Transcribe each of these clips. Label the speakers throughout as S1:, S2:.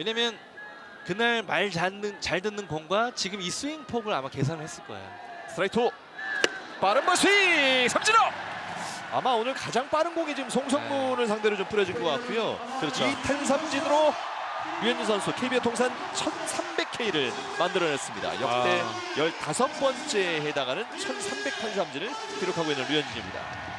S1: 왜냐면 그날 잘 듣는 공과 지금 이 스윙 폭을 아마 계산을 했을 거예요.
S2: 스트라이크 2 빠른 볼 스윙 삼진호. 아마 오늘 가장 빠른 공이 지금 송성문을 상대로 좀 뿌려진 것 같고요.
S1: 그렇죠.
S2: 이 탄삼진으로 류현진 선수 KBO 통산 1300K를 만들어냈습니다. 역대 15번째에 해당하는 1300 탄삼진을 기록하고 있는 류현진입니다.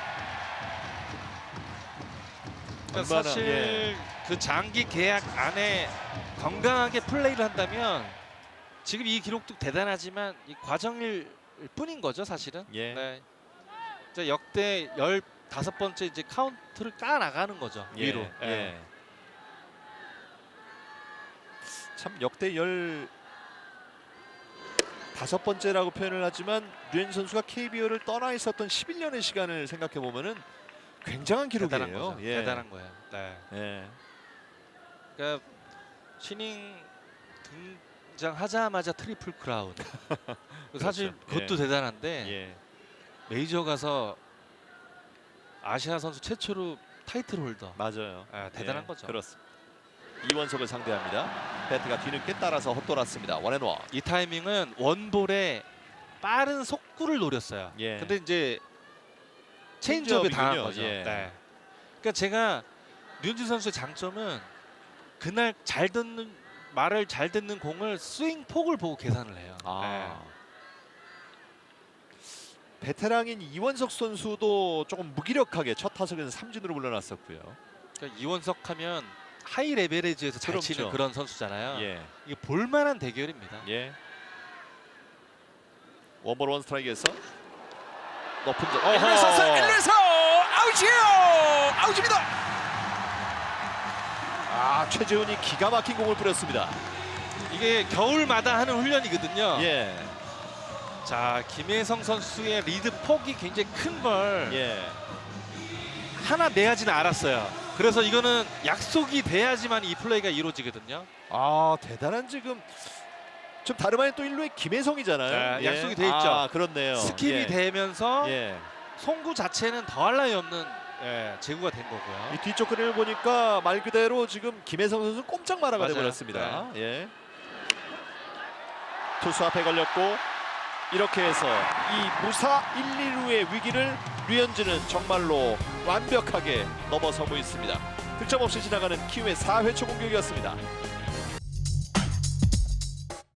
S1: 그러니까 사실 그 장기 계약 안에 건강하게 플레이를 한다면 지금 이 기록도 대단하지만 이 과정일 뿐인 거죠, 사실은.
S2: 예.
S1: 네. 이제 역대 15번째 이제 카운트를 까 나가는 거죠, 위로.
S2: 예.
S1: 예.
S2: 참 역대 15번째라고 표현을 하지만 류현진 선수가 KBO를 떠나 있었던 11년의 시간을 생각해 보면은 굉장한 기록이에요.
S1: 대단한 거죠.
S2: 예.
S1: 대단한 거예요. 네.
S2: 예.
S1: 그러니까 신인 등장하자마자 트리플 크라운. 사실
S2: 그렇죠.
S1: 그것도
S2: 예.
S1: 대단한데
S2: 예.
S1: 메이저 가서 아시아 선수 최초로 타이틀 홀더.
S2: 맞아요.
S1: 대단한
S2: 예.
S1: 거죠.
S2: 그렇습니다. 이원석을 상대합니다. 배트가 뒤늦게 따라서 헛돌았습니다. 원앤원.
S1: 이 타이밍은 원볼에 빠른 속구를 노렸어요.
S2: 예.
S1: 근데 이제 체인지업에 당한
S2: 체인지업이군요.
S1: 거죠.
S2: 예.
S1: 네. 그러니까 제가 류현진 선수의 장점은 그날 말을 잘 듣는 공을 스윙 폭을 보고 계산을 해요.
S2: 아. 베테랑인 이원석 선수도 조금 무기력하게 첫 타석에서 삼진으로 물러났었고요.
S1: 그러니까 이원석 하면 하이 레벨에지에서 잘
S2: 그렇죠.
S1: 치는 그런 선수잖아요.
S2: 예.
S1: 이게 볼만한 대결입니다.
S2: 예. 원볼 원 스트라이크에서 높은 점.
S3: 1루에서 아웃이에요. 아웃입니다.
S2: 아, 최재훈이 기가 막힌 공을 뿌렸습니다.
S1: 이게 겨울마다 하는 훈련이거든요.
S2: 예.
S1: 자, 김혜성 선수의 리드 폭이 굉장히 큰 걸
S2: 예.
S1: 하나 내야지는 알았어요. 그래서 이거는 약속이 돼야지만 이 플레이가 이루어지거든요.
S2: 아, 대단한 지금 좀 다름 아닌 또 1루에 김혜성이잖아요.
S1: 네, 약속이 돼 있죠.
S2: 아, 그렇네요.
S1: 스킵이
S2: 예.
S1: 되면서
S2: 예.
S1: 송구 자체는 더할 나위 없는 제구가 된
S2: 이
S1: 거고요.
S2: 뒤쪽 그림을 보니까 말 그대로 지금 김혜성 선수 꼼짝 말아가
S1: 맞아요.
S2: 돼버렸습니다. 예. 투수 앞에 걸렸고 이렇게 해서 이 무사 1, 2루의 위기를 류현진은 정말로 완벽하게 넘어서고 있습니다. 득점 없이 지나가는 키움의 4회 초 공격이었습니다.